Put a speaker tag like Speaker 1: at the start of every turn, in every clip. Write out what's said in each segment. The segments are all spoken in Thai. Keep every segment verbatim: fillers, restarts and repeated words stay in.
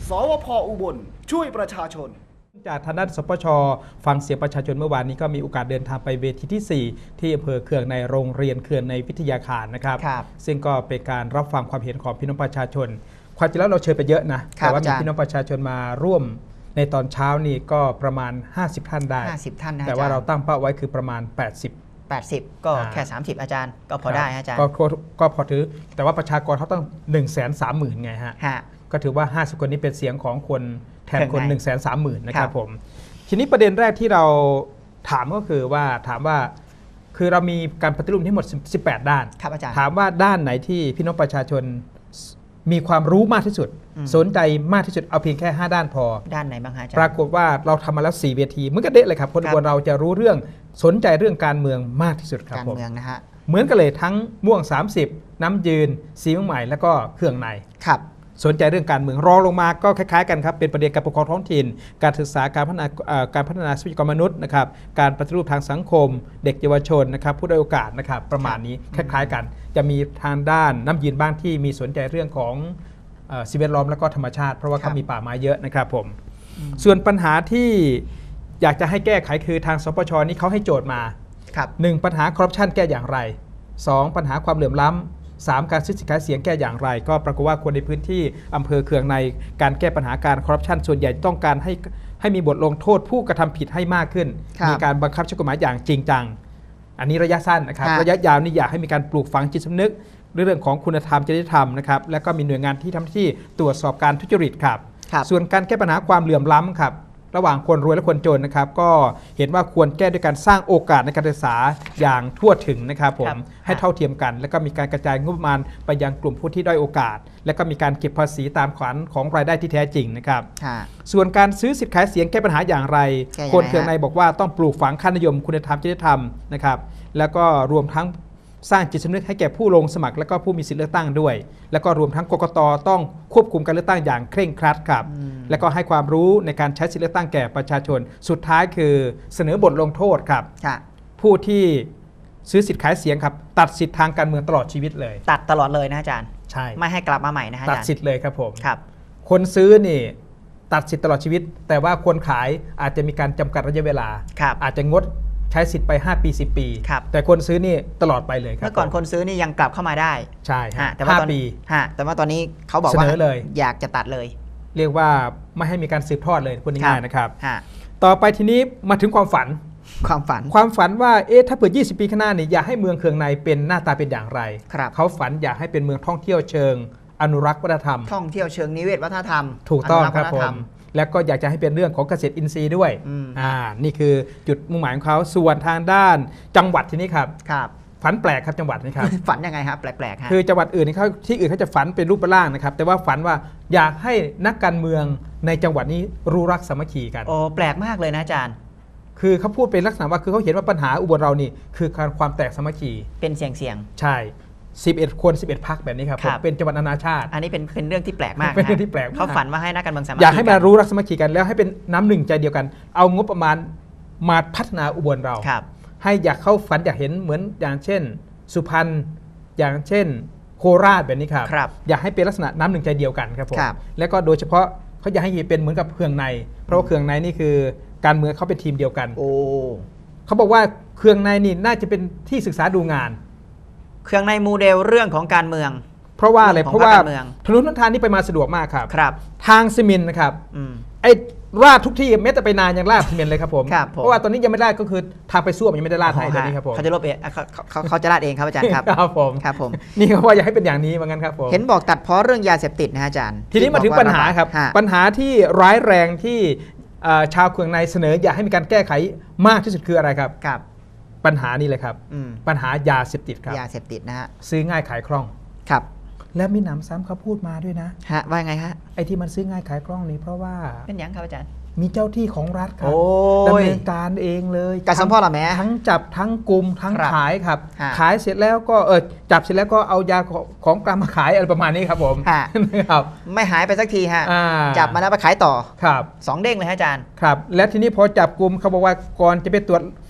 Speaker 1: สวพ.อุบลช่วยประชาชน
Speaker 2: จากทางด้านสปช.ฟังเสียงประชาชนเมื่อวานนี้ก็มีโอกาสเดินทางไปเวทีที่สี่ที่อำเภอเขื่องในโรงเรียนเขื่อนในวิทยาคารนะครับซึ่งก็เป็นการรับฟังความเห็นของพี่น้องประชาชนความจริงแล้วเราเชิญไปเยอะนะแต่ว่ามีพี่น้องประชาชนมาร่วมในตอนเช้านี่ก็ประมาณห้าสิบท่านได้
Speaker 3: ห้าสิบท่านนะ
Speaker 2: แต่ว่าเราตั้งเป้าไว้คือประมาณแปดสิบ
Speaker 3: แปดสิบก็แค่สามสิบอาจารย์ก็พอได้อาจารย์
Speaker 2: ก็พอถือแต่ว่าประชากรเขาต้อง หนึ่งแสนสามหมื่น ไงฮะก็ถือว่าห้าสิบคนนี้เป็นเสียงของคนแทนคน หนึ่งแสนสามหมื่น นะครับผมทีนี้ประเด็นแรกที่เราถามก็คือว่าถามว่าคือเรามีการปฏิรูปทั้งหมดสิบแปดด้านถามว่าด้านไหนที่พี่น้องประชาชนมีความรู้มากที่สุดสนใจมากที่สุดเอาเพียงแค่ห้าด้านพอ
Speaker 3: ด้านไหนบ้างฮะอาจารย์
Speaker 2: ปรากฏว่าเราทำมาแล้วสี่เวทีเหมือนกันเด็ดเลยครับคนอุบลเราจะรู้เรื่องสนใจเรื่องการเมืองมากที่สุดครับ
Speaker 3: การเมืองนะฮะ
Speaker 2: เหมือนกันเลยทั้งม่วงสามสิบน้ำยืนสีเมืองใหม่แล้วก็เครื่องใน
Speaker 3: ครับ
Speaker 2: สนใจเรื่องการเมืองรองลงมาก็คล้ายๆกันครับเป็นประเด็นการปกครองท้องถิ่นการศึกษาการพัฒนาการพัฒนาทรัพยากรมนุษย์นะครับการปฏิรูปทางสังคมเด็กเยาวชนนะครับผู้ด้อยโอกาสนะครับประมาณนี้คล้ายๆกันจะมีทางด้านน้ำยืนบ้างที่มีสนใจเรื่องของสิ่งแวดล้อมและก็ธรรมชาติเพราะว่าเขามีป่าไม้เยอะนะครับผมส่วนปัญหาที่อยากจะให้แก้ไขคือทางสปช.นี้เขาให้โจทย์มาหนึ่งปัญหาคอร์รัปชันแก้อย่างไรสองปัญหาความเหลื่อมล้ำสามการซื้อสินค้าเสียงแก้อย่างไรก็ปรากฏว่าคนในพื้นที่อำเภอเขื่องในการแก้ปัญหาการคอร์รัปชันส่วนใหญ่ต้องการให้ให้มีบทลงโทษผู้กระทำผิดให้มากขึ้นมีการบังคับใช้กฎหมายอย่างจริงจังอันนี้ระยะสั้นนะครับระยะยาวนี่อยากให้มีการปลูกฝังจิตสำนึกเรื่องของคุณธรรมจริยธรรมนะครับและก็มีหน่วยงานที่ทำหน้าที่ตรวจสอบการทุจริตครับส่วนการแก้ปัญหาความเหลื่อมล้ำครับระหว่างคนรวยและคนจนนะครับก็เห็นว่าควรแก้ด้วยการสร้างโอกาสในการศึกษาอย่างทั่วถึงนะครับผมให้เท่าเทียมกันและก็มีการกระจายงบประมาณไปยังกลุ่มผู้ที่ด้อยโอกาสและก็มีการเก็บภาษีตามขวัญของรายได้ที่แท้จริงนะครับส่วนการซื้อสิทธิ์ขายเสียงแก้ปัญหาอย่างไรคนเขื่องในบอกว่าต้องปลูกฝังค่านิยมคุณธรรมจริยธรรมนะครับแล้วก็รวมทั้งสร้างจิตสำนึกให้แก่ผู้ลงสมัครและก็ผู้มีสิทธิเลือกตั้งด้วยแล้วก็รวมทั้งกกต.ต้องควบคุมการเลือกตั้งอย่างเคร่งครัดครับแล้วก็ให้ความรู้ในการใช้สิทธิเลือกตั้งแก่ประชาชนสุดท้ายคือเสนอบทลงโทษครับผู้ที่ซื้อสิทธิ์ขายเสียงครับตัดสิทธิ์ทางการเมืองตลอดชีวิตเลย
Speaker 3: ตัดตลอดเลยนะอาจารย์
Speaker 2: ใช่
Speaker 3: ไม่ให้กลับมาใหม่นะฮะ
Speaker 2: ตัดสิทธิ์เลยครับผม
Speaker 3: ครับ
Speaker 2: คนซื้อนี่ตัดสิทธิ์ตลอดชีวิตแต่ว่าคนขายอาจจะมีการจำกัดระยะเวลาอาจจะงดใช้สิทธิ์ไปห้าปีสิบปีแต่คนซื้อนี่ตลอดไปเลยครับ
Speaker 3: เมื่อก่อนคนซื้อนี่ยังกลับเข้ามาได้
Speaker 2: ใช่ฮะ
Speaker 3: แต่ว่าตอนนี้แต่ว่าตอนนี้เขาบอกว่าอยากจะตัดเลย
Speaker 2: เรียกว่าไม่ให้มีการสืบทอดเลยพูดง่ายๆนะครับต่อไปทีนี้มาถึงความฝัน
Speaker 3: ความฝัน
Speaker 2: ความฝันว่าเอ๊ะถ้าเปิดยี่สิบปีข้างหน้านี่อยากให้เมืองเขื่องในเป็นหน้าตาเป็นอย่างไรเขาฝันอยากให้เป็นเมืองท่องเที่ยวเชิงอนุรักษ์วัฒนธรรม
Speaker 3: ท่องเที่ยวเชิงนิเวศวัฒนธรรม
Speaker 2: ถูกต้องครับผมแล้วก็อยากจะให้เป็นเรื่องของเกษตรอินทรีย์ด้วยอ่านี่คือจุดมุ่งหมายของเขาส่วนทางด้านจังหวัดที่นี้ครับ
Speaker 3: ครับ
Speaker 2: ฝันแปลกครับจังหวัดนี้ครับ
Speaker 3: ฝันยังไงครับแปลกๆ
Speaker 2: คือจังหวัดอื่นเขาที่อื่นเขาจะฝันเป็นรูปร่างนะครับแต่ว่าฝันว่าอยากให้นักการเมืองในจังหวัดนี้รู้รักสามัคคีกัน
Speaker 3: โอ้แปลกมากเลยนะอาจารย์
Speaker 2: คือเขาพูดเป็นลักษณะว่าคือเขาเห็นว่าปัญหาอุบลเรานี่คือการความแตกสามัคคี
Speaker 3: เป็นเสียงเสียง
Speaker 2: ใช่สิบเอ็ดคนสิบเอ็ดพรรคแบบนี้ครับเป็นจังหวัดนานาชาติ
Speaker 3: อันนี้เป็นเป็นเรื่องที่แปลกมาก
Speaker 2: เป็นเรื่องที่แปลก
Speaker 3: เขาฝันว่าให้นักการเมืองสามัคคี
Speaker 2: อยากให้มารู้รักสามัคคีกันแล้วให้เป็นน้ำหนึ่งใจเดียวกันเอางบประมาณมาพัฒนาอุบลเราให้อยากเข้าฝันอยากเห็นเหมือนอย่างเช่นสุพรรณอย่างเช่นโคราชแบบนี้ครับอยากให้เป็นลักษณะน้ำหนึ่งใจเดียวกันครับผมแล้วก็โดยเฉพาะเขาอยากให้เป็นเหมือนกับเขื่องในเพราะว่าเขื่องในนี่คือการเมืองเขาเป็นทีมเดียวกัน
Speaker 3: โอ้
Speaker 2: เขาบอกว่าเขื่องในนี่น่าจะเป็นที่ศึกษาดูงาน
Speaker 3: เครื่องในโมเดลเรื่องของการเมือง
Speaker 2: เพราะว่าอะไรเพราะว่าถนนทางนี้ไปมาสะดวกมากครับ
Speaker 3: ครับ
Speaker 2: ทางซีเมนต์นะครับไอ้ราดทุกที่แม้แต่ไปนานยังราดซีเมนต์เลยครับผมเพราะว่าตอนนี้ยังไม่ได้ก็คือทางไปซ่วมยังไม่ได้ราดให้ตอนนี้ครับผม
Speaker 3: เขาจะลบเองเขาเขาจะราดเองครับอาจารย์ครับ
Speaker 2: ครับผม
Speaker 3: ครับผม
Speaker 2: นี่เขาว่าอยากให้เป็นอย่างนี้เหมือนกันครับผม
Speaker 3: เห็นบอกตัดเพราะเรื่องยาเสพติดนะอาจารย์
Speaker 2: ทีนี้มาถึงปัญหาครับปัญหาที่ร้ายแรงที่ชาวเขื่องในเสนออยากให้มีการแก้ไขมากที่สุดคืออะไรครับ
Speaker 3: ครับ
Speaker 2: ปัญหานี่เลยครับปัญหายาเสพติดครับ
Speaker 3: ยาเสพติดนะฮะ
Speaker 2: ซื้อง่ายขายคล่อง
Speaker 3: ครับ
Speaker 2: และมีหนำซ้ำเขาพูดมาด้วยนะ
Speaker 3: ฮะว่าไงฮะ
Speaker 2: ไอ้ที่มันซื้อง่ายขายคล่องนี่เพราะว่า
Speaker 3: เป็นอย่างครับอาจารย์
Speaker 2: มีเจ้าที่ของรัฐครับดำเนินการเองเลย
Speaker 3: การสัมภาระแม้
Speaker 2: ทั้งจับทั้งกลุ่มทั้งขายครับขายเสร็จแล้วก็เออจับเสร็จแล้วก็เอายาของกลางมาขายอะไรประมาณนี้ครับผม
Speaker 3: ครับไม่หายไปสักทีฮะจับมาแล้วไปขายต่อ
Speaker 2: ครับ
Speaker 3: สองเด้งเลยฮะอาจารย์
Speaker 2: ครับและทีนี้พอจับกลุ่มเขาบอกว่าก่อนจะไปตรวจ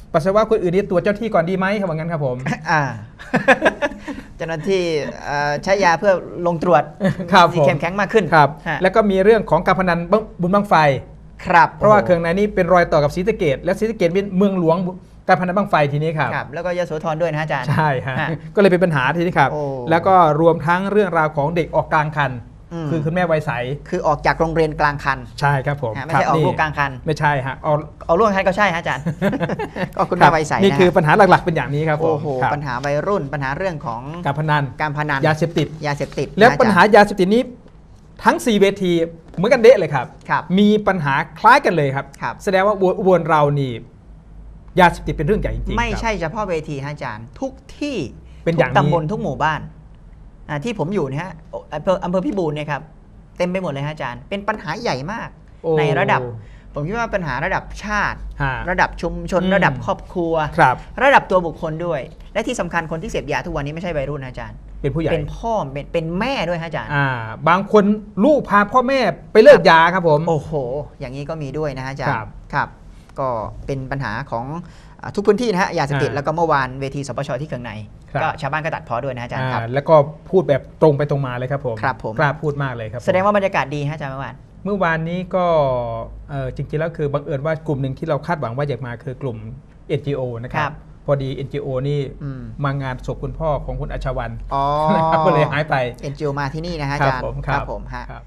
Speaker 2: ปัสสาวะคนอื่นนี่ตรวจเจ้าที่ก่อนดีไหมครับว่างั้นครับผม
Speaker 3: อ่า เจ้าหน้าที่เอ่อใช้ยาเพื่อลงตรวจ
Speaker 2: ครับ
Speaker 3: ที่
Speaker 2: ผม
Speaker 3: เข้มแข็งมากขึ้น
Speaker 2: ครับ
Speaker 3: ฮะ
Speaker 2: แล้วก็มีเรื่องของการพนันบุญบั้งไฟ
Speaker 3: ครับ
Speaker 2: เพราะว่า
Speaker 3: โโห
Speaker 2: เครื่องในนี้เป็นรอยต่อกับศรีสะเกษและศรีสะเกษเป็นเมืองหลวงการพนันบั้งไฟทีนี้ครับ
Speaker 3: ครับ แล้วก็ยโสธรด้วยนะอาจารย์
Speaker 2: ใช่ฮะ
Speaker 3: ฮะ
Speaker 2: ก็เลยเป็นปัญหาทีนี้ครับ
Speaker 3: โอ้
Speaker 2: แล้วก็รวมทั้งเรื่องราวของเด็กออกกลางคัน
Speaker 3: อืม
Speaker 2: คือคุณแม่วัยใส
Speaker 3: คือออกจากโรงเรียนกลางคัน
Speaker 2: ใช่ครับผม
Speaker 3: ฮะไม่
Speaker 2: ครั
Speaker 3: ใช่ออก
Speaker 2: นี่
Speaker 3: ลูกกลางคัน
Speaker 2: ไม่ใช่ฮะออก
Speaker 3: เอาลูกกลางคันก็ใช่ฮะอาจารย์ ก็คุณ
Speaker 2: ครั
Speaker 3: แม่
Speaker 2: บ
Speaker 3: วัยใส
Speaker 2: นี่
Speaker 3: นะ
Speaker 2: คือ
Speaker 3: ฮะ
Speaker 2: ปัญหาหลักๆเป็นอย่างนี้ครับผม
Speaker 3: โอ้โห
Speaker 2: ครับ
Speaker 3: ปัญหาวัยรุ่นปัญหาเรื่องของ
Speaker 2: การพนัน
Speaker 3: การพนัน
Speaker 2: ยาเสพติด
Speaker 3: ยาเสพติด
Speaker 2: และ
Speaker 3: นะอจรย์
Speaker 2: ปัญหายาเสพติดนี้ทั้งสี่เวทีเหมือนกันเดะเลยครับ
Speaker 3: ครับ
Speaker 2: มีปัญหาคล้ายกันเลยครับ
Speaker 3: ครับ
Speaker 2: แสดงว่าอุบลเรานี่ยาเสพติดเป็นเรื่องใหญ่จริงๆ
Speaker 3: ไม่
Speaker 2: ครับ
Speaker 3: ใช่เฉพาะเวทีฮะอาจารย์ ทุกที่
Speaker 2: เป็น
Speaker 3: ทุ
Speaker 2: อย่าง
Speaker 3: ก
Speaker 2: นี้
Speaker 3: ตำบลทุกหมู่บ้านอ่าที่ผมอยู่เนี่ยฮะอำเภออำเภอพิบูลเนี่ยครับเต็มไปหมดเลยฮะอาจารย์ เป็นปัญหาใหญ่มาก
Speaker 2: โอ้
Speaker 3: ในระดับ ผมคิดว่าปัญหาระดับชาติ
Speaker 2: ฮะ
Speaker 3: ระดับชุมชน
Speaker 2: อืม
Speaker 3: ระดับครอบครัว
Speaker 2: ครับ
Speaker 3: ระดับตัวบุคคลด้วย และที่สำคัญคนที่เสพยาทุกวันนี้ไม่ใช่วัยรุ่นนะอาจารย์
Speaker 2: เป็นผู้ใหญ่
Speaker 3: เป็นพ่อเป็นเป็นแม่ด้วยฮะอาจารย์
Speaker 2: อ่าบางคนลูกพาพ่อแม่ไปเลิกยาครับผม
Speaker 3: โอ้โห อย่างนี้ก็มีด้วยนะฮะอาจาร
Speaker 2: ครั
Speaker 3: ย์
Speaker 2: บ
Speaker 3: ครับ ก็เป็นปัญหาของอ่าทุกพื้นที่นะฮะยาเสพติด
Speaker 2: อ่า
Speaker 3: แล้วก็เมื่อวานเวทีสปชที่เคืองใน
Speaker 2: ครับ
Speaker 3: ก็ชาวบ้านก็ตัดพ้อด้วยนะอาจารย์ครับ
Speaker 2: อ่าแล้วก็พูดแบบตรงไปตรงมาเลยครับผม
Speaker 3: ครับผม
Speaker 2: กล้าพูดมากเลยครับผม
Speaker 3: แสดงว่าบรรยากาศดีฮะอาจารย์เมื่อวาน
Speaker 2: เมื่อวานนี้ก็เอ่อจริงๆแล้วคือบังเอิญว่ากลุ่มหนึ่งที่เราคาดหวังว่าอยากมาคือกลุ่ม เอ็น จี โอ นะค
Speaker 3: ค
Speaker 2: รั
Speaker 3: รับ บ
Speaker 2: พอดี เอ็น จี โอ นี่
Speaker 3: อืม
Speaker 2: มางานศพคุณพ่อของคุณอัชวัน
Speaker 3: อ๋อ
Speaker 2: นะครับก็เลยหายไป
Speaker 3: เอ็นจีโอมาที่นี่นะฮะอาจารย์
Speaker 2: ผมครับ
Speaker 3: ผมฮะ
Speaker 2: ครับ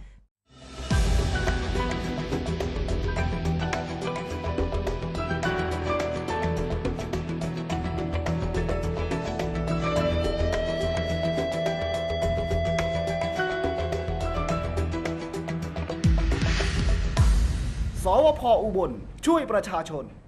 Speaker 1: สวพอุบลช่วยประชาชน